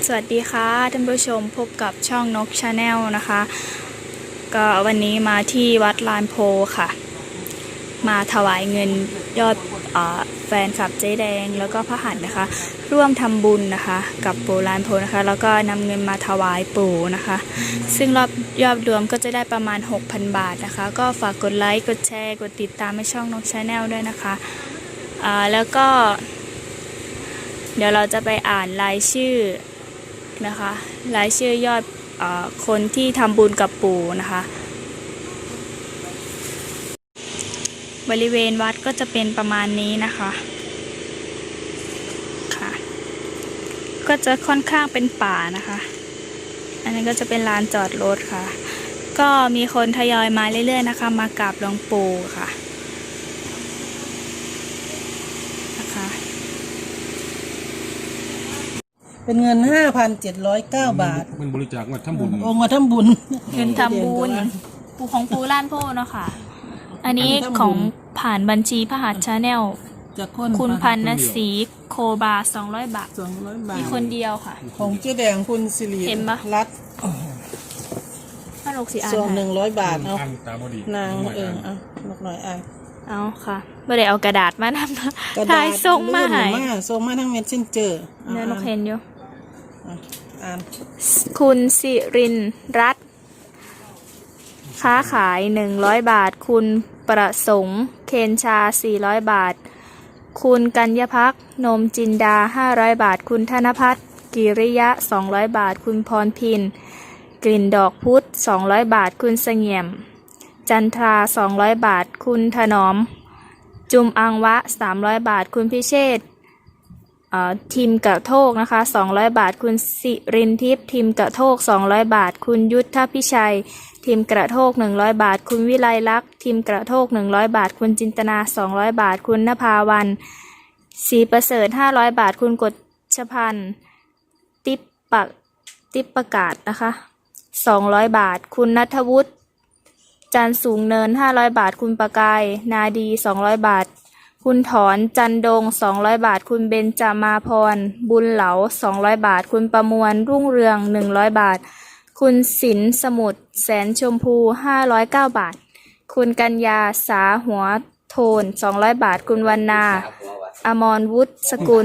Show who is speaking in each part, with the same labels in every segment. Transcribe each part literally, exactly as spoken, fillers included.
Speaker 1: วัสดีค่ะท่านผู้ชมพบกับช่องนกชาแนลนะคะก็วันนี้มาที่วัดลานโพค่ะมาถวายเงินยอดแฟนคลับเจ๊แดงแล้วก็พระหัตถ์นะคะร่วมทำบุญนะคะกับปู่ลานโพนะคะแล้วก็นำเงินมาถวายปู่นะคะซึ่งรอบยอดรวมก็จะได้ประมาณ หกพัน บาทนะคะก็ฝากกดไลค์กดแชร์กดติดตามให้ช่องนกชาแนลด้วยนะคะแล้วก็เดี๋ยวเราจะไปอ่านรายชื่อนะคะรายชื่อยอดอคนที่ทำบุญกับปู่นะคะบริเวณวัดก็จะเป็นประมาณนี้นะคะค่ะก็จะค่อนข้างเป็นป่านะคะอันนี้ก็จะเป็นลานจอดรถค่ะก็มีคนทยอยมาเรื่อยๆนะคะมากราบหลวงปู่ค่ะนะคะ
Speaker 2: เป็นเงิน ห้าพันเจ็ดร้อยเก้า บาท
Speaker 3: มันบริจาคมาทำบุญ
Speaker 2: องค์มาทำบุญ
Speaker 1: เงินทำบุญปู่ของปู่ล้านโพเนาะค่ะอันนี้ของผ่านบัญชีพระหัตถ์ชาแนลคุณพันนศรีโคบาสองร้อยบาท
Speaker 2: สองร้อยบาท
Speaker 1: มีคนเดียวค่ะ
Speaker 2: ของเจ๊แดงคุณสิริรัตน์
Speaker 1: ห้าหกสี่อัน
Speaker 2: ส่วนหนึ่งร้อยบาทเอา
Speaker 3: นาง
Speaker 2: เออเอาหนักหน่อยอ่ะ
Speaker 1: เอาค่ะไม่ได้เอากระดาษมาทำถ่ายส่งมาให้
Speaker 2: ส่งมาทั้งเม็ดเช่นเจอ
Speaker 1: เนื้อนกเห็นอยู่
Speaker 2: อ่าน
Speaker 1: คุณสิรินรัตน์ค้าขายหนึ่งร้อยบาทคุณประสงค์เคนชาสี่ร้อยบาทคุณกัญญพักนมจินดาห้าร้อยบาทคุณธนพัฒน์กิริยะสองร้อยบาทคุณพรพินกลิ่นดอกพุธสองร้อยบาทคุณเสงี่ยมจันทราสองร้อยบาทคุณถนอมจุมอังวะสามร้อยบาทคุณพิเชษทีมกระโทกนะคะสองร้อยบาทคุณสิรินทิพย์ทีมกระโทกสองร้อยบาทคุณยุทธพิชัยทีมกระโทกหนึ่งร้อยบาทคุณวิไลลักษณ์ทีมกระโทกหนึ่งร้อยบาทคุณจินตนาสองร้อยบาทคุณนภาวันศรีประเสริฐห้าร้อยบาทคุณกฎชพันธ์ติปปะติปประกาศนะคะสองร้อยบาทคุณณัฐวุฒิจันสูงเนินห้าร้อยบาทคุณประกายนาดีสองร้อยบาทคุณถอนจันดงสองร้อยบาทคุณเบญจมาพรบุญเหลาสองร้อยบาทคุณประมวลรุ่งเรืองหนึ่งร้อยบาทคุณศิลสมุทรแสนชมพูห้าร้อยเก้าบาทคุณกัญญาสาหัวโทนสองร้อยบาทคุณวรรณาอมรวุฒิสกุล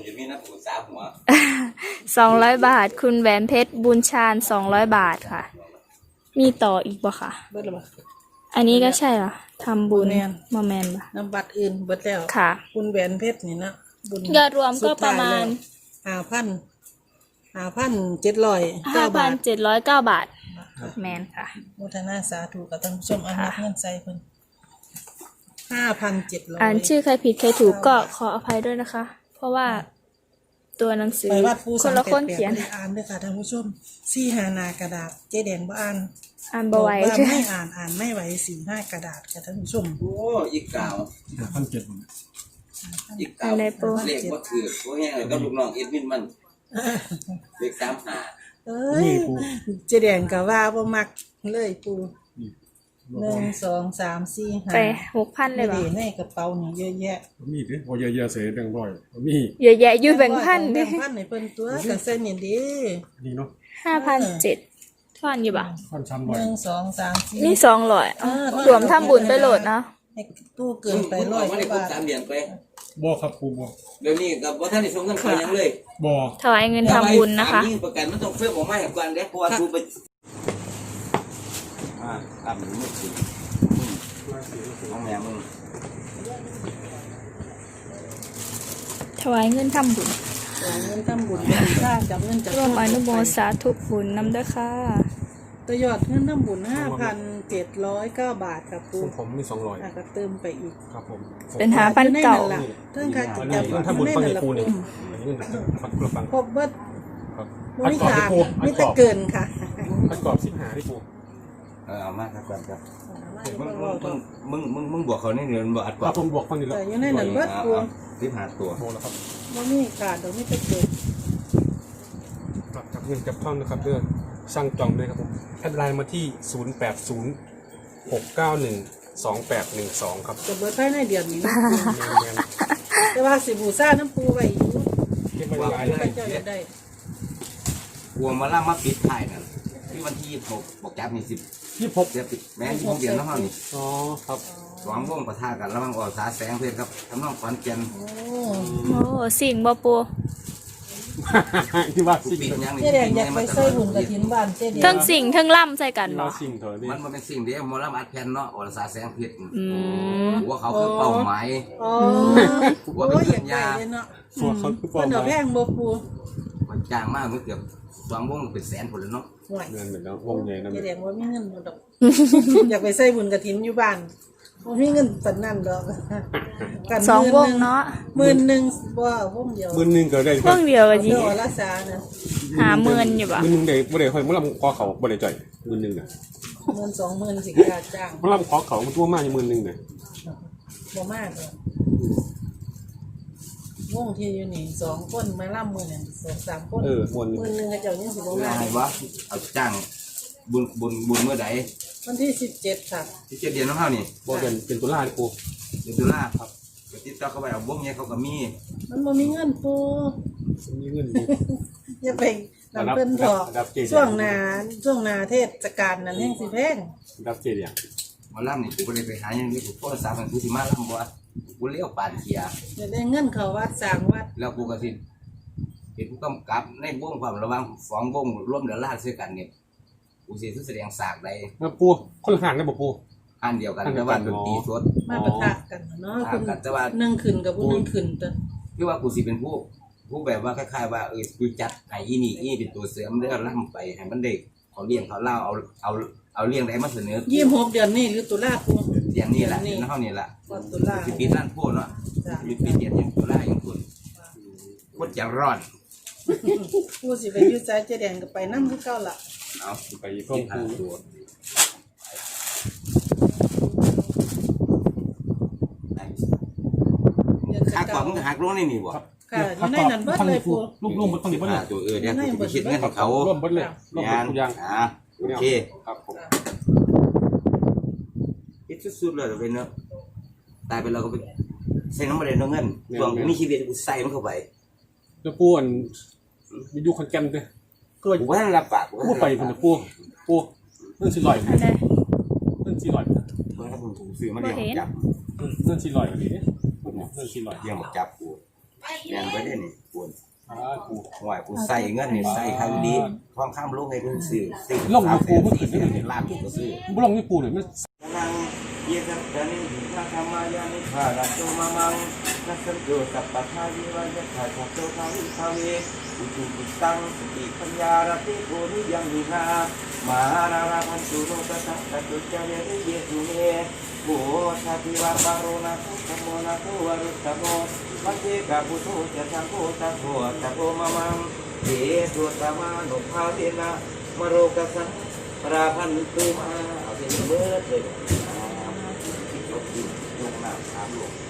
Speaker 1: สองร้อยบาทคุณแหวนเพชรบุญชาญสองร้อยบาทค่ะมีต่ออีกบ่ค่ะอันนี้ก็ใช่เหรอทำบุญมาแมนป่ะ
Speaker 2: น้ำบัตรอื่นเบิดแล้ว
Speaker 1: ค่ะ
Speaker 2: คุณแหวนเพชรนี่นะบุญ
Speaker 1: ยอดรวมก็ประมาณ
Speaker 2: ห้าพันห้าพันเจ็ดร้อย
Speaker 1: ห้าพันเจ็ดร้อยเก้าบาทแมนค่ะ
Speaker 2: โมทนาสาธุกับท่านผู้ชมอันนักเงินใจเพิ่นห้าพันเจ็ดร้อย
Speaker 1: อ่านชื่อใครผิดใครถูกก็ขออภัยด้วยนะคะเพราะว่าตัวหนังสือคนละคนเขียน
Speaker 2: อ่านด้วยค่ะท่านผู้ชมสี่หานากระดาษเจ๊แดงบ่อ่าน
Speaker 1: อ่านบ่ไหว
Speaker 2: ใช่ไม่อ่านอ่านไม่ไหวสี่ห้ากระดาษค่ะท่านผู้ชม
Speaker 4: โอ้อีกเก่า
Speaker 3: พันเจ็ด
Speaker 4: อีกเก่าเรียกว่าถือพวกนี้ก็ลูกน้องเอ็ดมินมันเด็กสามหา
Speaker 2: เอ้ยเจ๊แดงกับว่าบ่มักเลยปูหนึ่งสองสามสี่ห้า
Speaker 1: ไปหกพันเลยเหรอ
Speaker 2: ในกระเป๋านี่เยอะแยะ
Speaker 3: มีดิพอเยอะแยะเสียแบ่งร้อยมี
Speaker 1: เยอะแยะอยู่แบ่งพันดิ
Speaker 2: แบ่งพันในเปิ้นตัวกับเส้นนี่ดิ
Speaker 3: นี่เนาะ
Speaker 1: ห้าพันเจ็ดท่อนอยู่ป่ะ
Speaker 3: ท่อนช้ำร้อย
Speaker 2: หนึ่งสองสามสี่
Speaker 1: นี่สองร้อยรวมทำบุญไปโหลดนะ
Speaker 2: ตู้เกินไปร้อยบาท
Speaker 4: สามเหรียญไป
Speaker 3: บ่ครับครูบ่
Speaker 4: เดี๋ยวนี้กับว่าท่านได้ส่งเงินไปยังเลย
Speaker 3: บ่
Speaker 1: ถวายเงินทำบุญนะคะ
Speaker 4: ประกันมันต้องเฟื่องออกมาให้ก่อนเด้เพราะว่าครูไปอ่าตามมือถือน้องแม่มึง
Speaker 1: ถวายเงินทำบุญ
Speaker 2: ถวายเงินทำบุญค่าจับเงินจาก
Speaker 1: ร่วมอนุโมสาธุบุญนำด้วยค่ะ
Speaker 2: ตัวยอดเงินทำบุญห้าพันเจ็ดร้อยเก้าบาทครับปู
Speaker 3: ผมมีสองร้อย
Speaker 2: ก็เติมไปอีก
Speaker 3: ครับผม
Speaker 1: เป็นหาพันเก่า
Speaker 2: เรื่องการจับเงิน
Speaker 3: ทำบุญฟังปูนี่
Speaker 2: ครบเบิดบริจาคไม่แต่เกินค่ะ
Speaker 3: ประกอบสิบหาที่ปู
Speaker 4: เออเอามากครับครับมึงมึงมึงมึงบวกเขาในเดือนบวกอัดกว่า
Speaker 3: ผมบวกฟังนี่แล้ว
Speaker 2: แต่ยังในนั้นเบิดปู
Speaker 4: สิบห้าตัว
Speaker 3: โมแล้วครับ
Speaker 2: ว่ามีขาดเดี๋ยวไม่แต่เกิน
Speaker 3: ครับจับเงินจับท่อนนะครับเพื่อสั่งจองเลยครับผมแอดไลน์มาที่ศูนย์แปดศูนย์หกเก้าหนึ่งสองแปดหนึ่งสองครับ
Speaker 2: จะเบิดภายในเดือนนี้แต่ว่าสิบูซ่าน้ำปูไว้อยู่
Speaker 3: เก็บไว้ได้
Speaker 2: เจ้าอยากได้
Speaker 4: กลัวมาล่ามาปิดท้ายนั่นที่วันที่ยี่สิบหกบอกจับนี่สิบ
Speaker 3: ยี่สิบหก
Speaker 4: เดือนปิดแม่ยี่สิบหกเดือนแล้วเฮานี่
Speaker 3: อ๋อครับ
Speaker 4: สองวงปะทะกันระหว่างออกสาแสงเพชรครับทำนองขอนแก่น
Speaker 2: โอ้
Speaker 1: โอ้สิ่งบ่ปู
Speaker 3: ที่ว่า
Speaker 4: ผู้
Speaker 3: สิ่ง
Speaker 4: ปิดยังนี่
Speaker 2: เจ๊แดงอยากไปใส่บุญกระถินบ้านเจ๊แดง
Speaker 1: เทั้งสิ่งเทั้งล่ำใส่กัน
Speaker 3: ที่
Speaker 1: บ่
Speaker 3: ว่าสิ่งเถอะนี่
Speaker 4: มันมันเป็นสิ่งเดียวมอลำอัดแผ่นเนาะออกสาแสงเพชร
Speaker 1: อืม
Speaker 4: หัวเขาคือเป้าหมาย
Speaker 2: อ๋อ
Speaker 4: หัว
Speaker 2: โอ้
Speaker 4: เป็น
Speaker 2: ยอ
Speaker 4: เพื่
Speaker 2: ยา
Speaker 4: อก น
Speaker 2: ไป
Speaker 4: ยา
Speaker 2: เลยเนาะ
Speaker 3: ส่วนเขาคือป
Speaker 2: เพิ่นเอาแพงบ่ปู
Speaker 4: มันจ้างมากมันเกือบสองวงเป็นแสนผลแล้วเนาะ
Speaker 2: ห่วย
Speaker 3: เงินเหมือนน้องวงใหญ่นั่น
Speaker 2: เจ๊แดงว่ามีเงินบ่ดอก อยากไปใส่บุญกระถินอยู่บ้านบ่มีเงินปานนั้นดอกกัน
Speaker 1: สองวง
Speaker 2: หมื่
Speaker 1: เนาะ
Speaker 2: หมื่นหนึงบ่วงเดียว
Speaker 3: มือหนึงก็ได้
Speaker 1: วงเดียวก็สิ
Speaker 2: เดี๋ยวรักษานะ
Speaker 1: หาเมินอยู่บ่
Speaker 3: มือหนึงได้บ่ได้ค่อยมือลำคอเขาบ่ได้จ่อยมือหนึงน่ะ
Speaker 2: เงินสองหมื่นสิค่าจ้าง
Speaker 3: มือลำคอเขามันตัวมากอยู่มือหนึงน่ะ
Speaker 2: บ่มากหรอกวงที่อยู่นี่สองคนมาล่ำมือนี่สองสามคน
Speaker 3: เออมวน
Speaker 2: หมื่นหนึงก็เจ้ายังสิบ่
Speaker 4: คือ
Speaker 2: มา
Speaker 4: อะไรวะเอาจ้างบุญบุญบุญเมื่อใด
Speaker 2: วันที่สิบเจ็ดค่ะ
Speaker 4: ที่เจ็ดเดือนน้องเฮานี่
Speaker 3: บ่เป็นเป็นตุลาดิปู
Speaker 4: เดือนตุลาครับไปติดต่อเข้าไปเอาวงเนี้ยเขาก็มี
Speaker 2: มันบ่มีเงินปู
Speaker 3: มีเงินอยู่
Speaker 2: อย่าไปนำเพิ่นพอ
Speaker 3: รับเจ๊
Speaker 2: ช่วงหน้าช่วงหน้าเทศกาลนั้นแห่งสิแพง
Speaker 3: รับเจดีย์
Speaker 4: หมาล่ำนี่กูบ่ได้ไปหาอย่างนี้กูโทรศัพท์มันกูสิมาล่ำบ่กูเลี้ยวปานเขีย
Speaker 2: จะได้เงินเข้าวัดสร้างวัด
Speaker 4: แล้วกูก็สิเป็นผู้กำกับในวงความระหว่างสองวงร่วมเดือดร้อนด้วยกันเนี่ยกูสิแสดงสากใด
Speaker 3: มาปูคนละห่างได้บ่ปู
Speaker 4: อันเดียวกัน
Speaker 3: อันเดี
Speaker 4: แต่
Speaker 3: ยวกั
Speaker 4: ว่าน ดนตรีสด
Speaker 2: มาปะทะกันเนาะ
Speaker 4: ต่า
Speaker 2: คุ
Speaker 4: ง
Speaker 2: ณ
Speaker 4: กันแต่ว่า
Speaker 2: หนึ่งขึ้นกับผู้หนึ่งขึ้นตัว
Speaker 4: ที่ว่ากูสิเป็นผู้ผู้แบบว่าคล้ายๆว่าเออกูจัดให้อีนี่อีนี่เป็นตัวเสริมเรื่องล่ำไปให้มันเด็กเขาเลี้ยงเขาเล่าเอาเอาเอาเลี้ยงได้มาเสนอ
Speaker 2: ยี่สิบหกเดือนนี่หรือตุลาปู
Speaker 4: อย่างนี้แหละนี่เท่านี้แหละ
Speaker 2: วันตุลา
Speaker 4: สิปีนั่นพูดเนาะ
Speaker 2: จ้ะ
Speaker 4: มีปีเดียนยังตุลาอย่างคุณพูดจะร้อน
Speaker 2: ปูสิไปอยืดใจเจ๊แดงก็ไปนั่งคือเก่าละ
Speaker 4: เอา
Speaker 3: ไปพ่อ
Speaker 4: ที่
Speaker 3: ปู
Speaker 4: หาตัวหักกว่ามึงหักลงนี่นี่บ่
Speaker 2: ค่ะอยู่ในนั้นเบิดเลยปู
Speaker 3: ลูกลูกมันต้องดีบ่
Speaker 4: อ่า
Speaker 3: เนี่ย
Speaker 4: ตัวเออเนี่ยกูจะไปคิดเงินของเขา
Speaker 3: ร่วมเบิดเลยร่วม
Speaker 4: งาน
Speaker 3: ทุกอย่าง
Speaker 4: อ่าโอเค
Speaker 3: ครับผม
Speaker 4: คิดสุดๆเลยเดี๋ยวเป็นเนาะตายไปเราก็ไปใส่น้ำมันเดือดเงินช่วงมีชีวิตกูใส่มันเข้าไป
Speaker 3: แล้วปูอันมีอยู่คอนแกนเด้อก็
Speaker 4: กูว่ารับปากกู
Speaker 3: ปูไปพุ่นปูปูเรื่องสิลอย
Speaker 1: อันใด
Speaker 3: เรื่องสิลอย
Speaker 4: เมื่อผมถูกซื้อมาเลี้ยงจับ
Speaker 3: เรื่องสิลอยอันนี้เรื่องสิลอย
Speaker 4: เลี้ยงจับกูแม่งไว้ได้นี่กู
Speaker 3: อ่าปู
Speaker 4: ห่วยกูใส่เงินนี่ใส่ครั้งนี้ทองข้ามลูกให้กูซื้อซื้อ
Speaker 3: ลงอยู่ปูเมื่อคืน
Speaker 4: ซื้
Speaker 3: นี่
Speaker 4: อ
Speaker 3: เห็น
Speaker 4: ล้านกูก็ซื้อ
Speaker 3: บ่ลงนี่ปูเนี่ยมัน
Speaker 4: นังเยสัตนิพระธรรมายานิพาราโตมามังนัสโยสัพพทาวิวัยถาโตทาวิภาเวอุจุกุตังสติปัญญารติโกนิยังมิหามหาราราพันตุโลกสังกัตุจเยริเยตุเมโหชาติวาปารุณะพุทธโมนะโตวรุตตโมมัจเจกาปุโตจะทังโกตะโกตะโกมามังเยตุตมานุภาเวนะมโรกสังปราพันตุมาเอาเป็นเบิดเลย ยกน้ำสามหลวง